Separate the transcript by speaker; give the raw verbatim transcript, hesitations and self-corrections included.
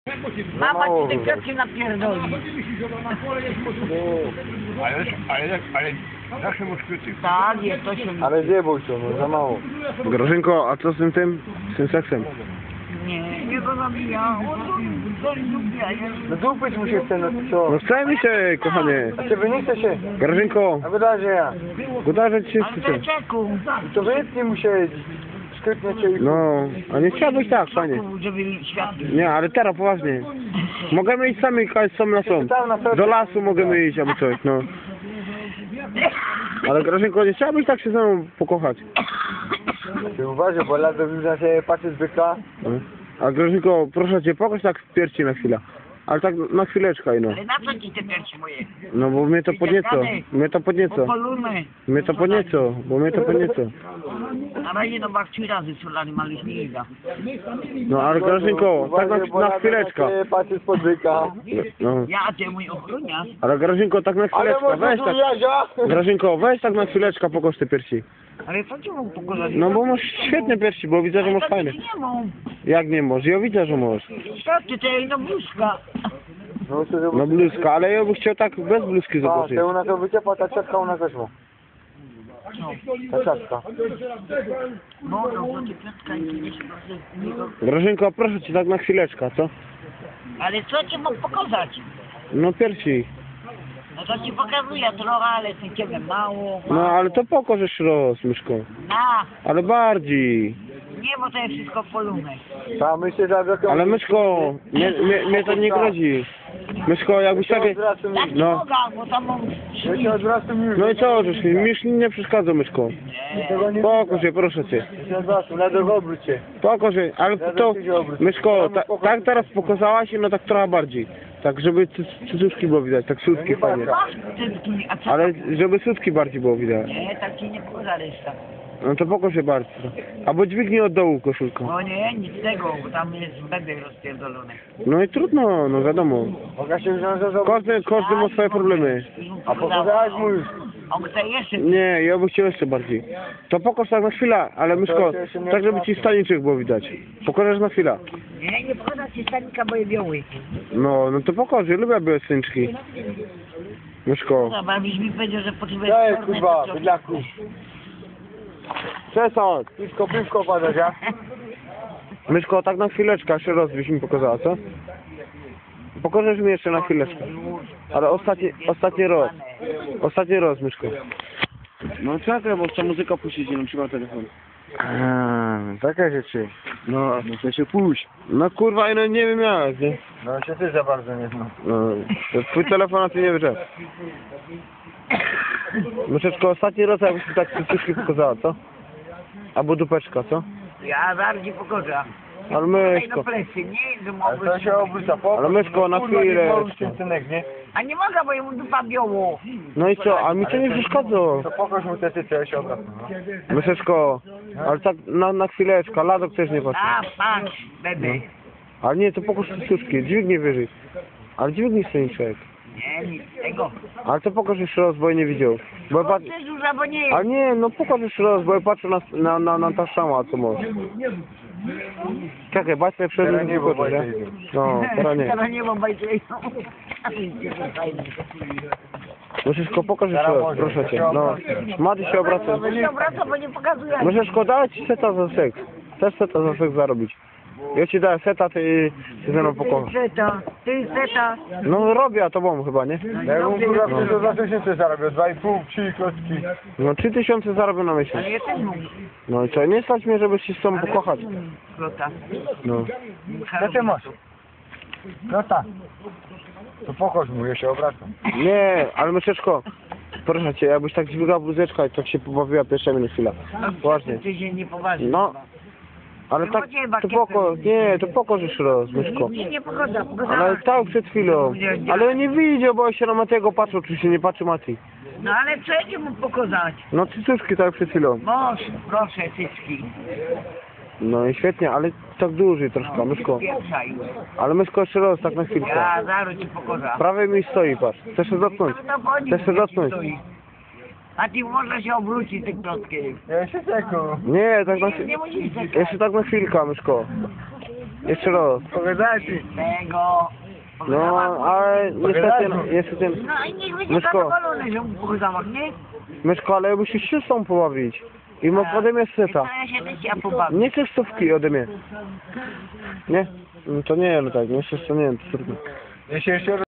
Speaker 1: Mama ci te kwiatki napierdoli.
Speaker 2: Ale, ale, ale zawsze masz kwiaty.
Speaker 1: Tak, jest to się...
Speaker 3: Ale zjebał się, no za mało.
Speaker 4: Grażynko, a co z tym tym? Z tym seksem?
Speaker 1: Nie, nie go zabija. On to lubi, a ja...
Speaker 3: No dupyć mu się chce, no to co?
Speaker 4: No chce mi się, kochanie.
Speaker 3: A ciebie nie chce się?
Speaker 4: Grażynko,
Speaker 3: A wydaje, że ja.
Speaker 4: wydarzać się
Speaker 1: Ale
Speaker 4: chce.
Speaker 1: czeku.
Speaker 3: To wytnij mu się, szkytnie cię i...
Speaker 4: No, a nie chciałbyś tak, panie.
Speaker 1: Żeby światło.
Speaker 4: Nie, ale teraz poważnie. Możemy iść sami, kajść sam na są. Do lasu możemy iść albo coś, no. Ale Grażynko, nie chciałabyś tak się ze mną pokochać?
Speaker 3: Ty uważaj, bo lado na ciebie patrzy z byka.
Speaker 4: No. A Grażynko, proszę cię, pokaż tak w piersi na chwilę. Ale tak na chwileczkę, no.
Speaker 1: Ale na co ci te piersi moje?
Speaker 4: No bo mnie to podnieco, mnie to podnieco.
Speaker 1: Popoluny.
Speaker 4: Mnie to podnieco, bo mnie to podnieco.
Speaker 1: Na razie no bach trzy razy solary mali śniega.
Speaker 4: No ale Grażynko, tak na,
Speaker 3: Uważaj, bo
Speaker 4: na
Speaker 3: lado
Speaker 4: chwileczkę.
Speaker 3: ciebie patrzy spod byka.
Speaker 4: No.
Speaker 1: Ja, a ty mój ochroniarz.
Speaker 4: Ale Grażynko, tak na
Speaker 3: Ale
Speaker 4: chwileczkę,
Speaker 3: może
Speaker 4: weź
Speaker 3: tu
Speaker 4: tak.
Speaker 3: Jazia?
Speaker 4: Grażynko, weź tak na chwileczkę, pokaż te piersi.
Speaker 1: Ale co ci mam pokazać?
Speaker 4: No bo masz świetne piersi, bo widzę, że masz fajne.
Speaker 1: Nie mam.
Speaker 4: Jak nie możesz? Ja widzę, że możesz.
Speaker 1: Co ty, to jest no bluzka.
Speaker 3: No to
Speaker 4: No bluzka, ale ja bym chciał tak bez bluzki
Speaker 3: A,
Speaker 4: zobaczyć.
Speaker 3: to ona to wyciepa, ta czatka u nas też ma. Ta czatka.
Speaker 1: No, no, bo ty piątka i nie się bardzo niego.
Speaker 4: Grażynko, proszę cię tak na chwileczkę, co?
Speaker 1: Ale co ci mam pokazać?
Speaker 4: No piersi.
Speaker 1: No to ci pokazuję trochę, ale ty ciebie mało.
Speaker 4: No ale to pokażesz roz, myszko.
Speaker 1: Na,
Speaker 4: Ale bardziej.
Speaker 1: nie, bo to jest wszystko polunek.
Speaker 3: Ta myślę, że jak...
Speaker 4: Ale myszko, mnie, mnie, mnie to nie grozi. Myszko, jakbyś
Speaker 3: Ja się
Speaker 4: takie...
Speaker 3: odwracam
Speaker 1: Tak
Speaker 3: już.
Speaker 1: nie
Speaker 4: No.
Speaker 1: mogę, bo tam mam
Speaker 3: Ja się odwracam już.
Speaker 4: No i co, żeś mi, mi już nie przeszkadza, myszko.
Speaker 3: Tego nie
Speaker 4: Pokaż je, proszę cię.
Speaker 3: Ja się odwracam, lado w obrócie.
Speaker 4: Pokaż je, ale to... Myszko, ta, tak teraz pokazałaś, no tak trochę bardziej. Tak, żeby cy- cycuszki było widać, tak sutki fajnie.
Speaker 1: masz cycki, a co?
Speaker 4: Ale żeby sutki bardziej było widać.
Speaker 1: Nie, tak ci nie pokażę reszta.
Speaker 4: No to pokaż je bardziej. Albo dźwignij od dołu koszulkę.
Speaker 1: No nie, nic z tego, bo tam jest bebek rozpierdolony.
Speaker 4: No i trudno, no wiadomo.
Speaker 3: Mogę się wziąć za zobaczyć.
Speaker 4: Każdy, każdy ma swoje problemy.
Speaker 3: A pokazałeś mu już.
Speaker 1: On chce jeszcze.
Speaker 4: Nie, ja bym chciał jeszcze bardziej. To pokaż tak na chwilę, ale myszko, tak żeby ci staniczek było widać. Pokażesz na chwilę.
Speaker 1: Nie, nie pokażę ci stanika, bo je biały.
Speaker 4: No, no to pokaż, ja lubię białe staniczki. Myszko.
Speaker 1: Dobra, byś mi powiedział, że potrzebujesz
Speaker 3: Daj,
Speaker 1: czarne,
Speaker 3: kurwa,
Speaker 1: to-
Speaker 3: bydlaku.
Speaker 4: Przestań.
Speaker 3: Piwko, piwko padasz, ja?
Speaker 4: Myszko, tak na chwileczkę, jeszcze raz byś mi pokazała, co? Pokażesz mi jeszcze na chwileczkę. Ale ostatni, ostatni raz. Ostatni raz, myszko. No czekaj, bo chcę muzyka puścić, nie trzymam telefon.
Speaker 3: Eee, takie rzeczy.
Speaker 4: No, muszę się pójść. No kurwa, no nie wiem jak, nie?
Speaker 3: No się ty za bardzo nie znam.
Speaker 4: No, to twój telefon na tym nie wyszedł. Myszeczko, ostatni raz jakbyś mi tak cycuszki pokazała, co? Albo dupeczka, co?
Speaker 1: Ja bardziej pokażę.
Speaker 4: Ale
Speaker 1: Ej,
Speaker 4: myszko.
Speaker 1: no plecy, nie, że
Speaker 3: Ale
Speaker 1: mogę...
Speaker 3: to się obróca, po.
Speaker 4: Ale myszko, na
Speaker 3: Kurwa,
Speaker 4: chwilę
Speaker 3: nie porusz
Speaker 4: jeszcze.
Speaker 3: się, synek, nie?
Speaker 1: A nie mogę, bo jemu dupa biało.
Speaker 4: No i co, a mi to nie przeszkadza.
Speaker 3: To pokaż mu te cyce, ja się obracam. No.
Speaker 4: Myszeczko, ale tak na, na chwileczkę, ladok też nie patrzy.
Speaker 1: A, patrz, bebek.
Speaker 4: Ale nie, to pokaż cycuszki, dźwignij wyżej. Ale dźwignij staniczek.
Speaker 1: Nie, nic z tego.
Speaker 4: Ale to pokaż jeszcze raz, bo ja nie widział. Bo ja
Speaker 1: Bo
Speaker 4: pat...
Speaker 1: ty duża, bo nie
Speaker 4: A
Speaker 1: jest.
Speaker 4: nie, no pokaż jeszcze raz, bo ja patrzę na, na, na, na ta sama, co masz. Czekaj, bać mnie przed
Speaker 3: Teraz
Speaker 4: nim
Speaker 3: nie, bo
Speaker 4: wyskoczy, nie?
Speaker 3: bajkę idą.
Speaker 4: No, teraz nie.
Speaker 1: Teraz nie mam bajtlejną. A ty jesteś fajny.
Speaker 4: Myszeczko, pokaż jeszcze
Speaker 3: Teraz
Speaker 4: raz,
Speaker 3: może,
Speaker 4: proszę
Speaker 3: to
Speaker 4: cię.
Speaker 3: się
Speaker 4: No,
Speaker 3: obraca.
Speaker 4: Mady się obraca.
Speaker 1: To się obraca, bo nie pokazuje.
Speaker 4: Myszeczko, daj ci seta za seks. Chcesz seta za seks zarobić. Ja ci daję seta, ty się ze mną pokochasz.
Speaker 1: Ty seta, ty seta.
Speaker 4: No robię, a to bom chyba, nie?
Speaker 3: Jak on kurwa chce, to za tysiące zarobię, dwa i pół, trzy klocki.
Speaker 4: No trzy tysiące zarobię na miesiąc.
Speaker 1: Ale ja też mam.
Speaker 4: No i co, nie stać mnie, żeby się z tobą pokochać.
Speaker 1: Klota.
Speaker 4: No.
Speaker 3: Co ty masz? No tak. To pokaż mu, ja się obracam.
Speaker 4: Nie, ale myszeczko, proszę cię, jakbyś tak dźwigała bluzeczka i tak się pobawiła pierwsza minut chwila. Poważnie.
Speaker 1: Ty się nie poważnie.
Speaker 4: No. Ale tak, to poko, nie, to pokaż jeszcze raz, myszko.
Speaker 1: Nie, nie pogoda,
Speaker 4: Ale
Speaker 1: pogoda.
Speaker 4: tak przed chwilą. Ale ja nie widział, bo ja się na Matego patrzę, oczywiście nie patrzy Mati.
Speaker 1: No ale co ja ci mu pokazać?
Speaker 4: No cycuszki tak przed chwilą.
Speaker 1: Moż, proszę, cycki.
Speaker 4: No i świetnie, ale tak dłużej troszkę, myszko.
Speaker 1: Pieprzaj.
Speaker 4: Ale myszko jeszcze raz, tak na chwilkę.
Speaker 1: Ja zaraz ci pokażę.
Speaker 4: Prawie mi stoi, patrz. Chcesz się dotknąć?
Speaker 1: No to chodzi,
Speaker 4: Chcesz się
Speaker 1: jak ci
Speaker 4: dotknąć?
Speaker 1: stoi. A ty może się obrócić tym klockiem.
Speaker 3: Ja się ceku.
Speaker 4: Nie, tak na
Speaker 1: Nie, nie musisz czekać.
Speaker 4: jeszcze tak na chwilkę, myszko. Jeszcze raz.
Speaker 3: Pogadaj ci.
Speaker 1: Tego.
Speaker 4: No, ale niestety, niestety...
Speaker 1: No i niech będzie
Speaker 4: Myszko.
Speaker 1: zadowolony, że mu po zamach, nie?
Speaker 4: Myszko, ale musisz się z tą pobawić. I mo- ode mnie seta.
Speaker 1: Ja się też ja pobawię.
Speaker 4: Nie chcesz stówki ode mnie. Nie? No to nie, no tak, nie chcesz, to nie, to trudno.
Speaker 3: Ja się jeszcze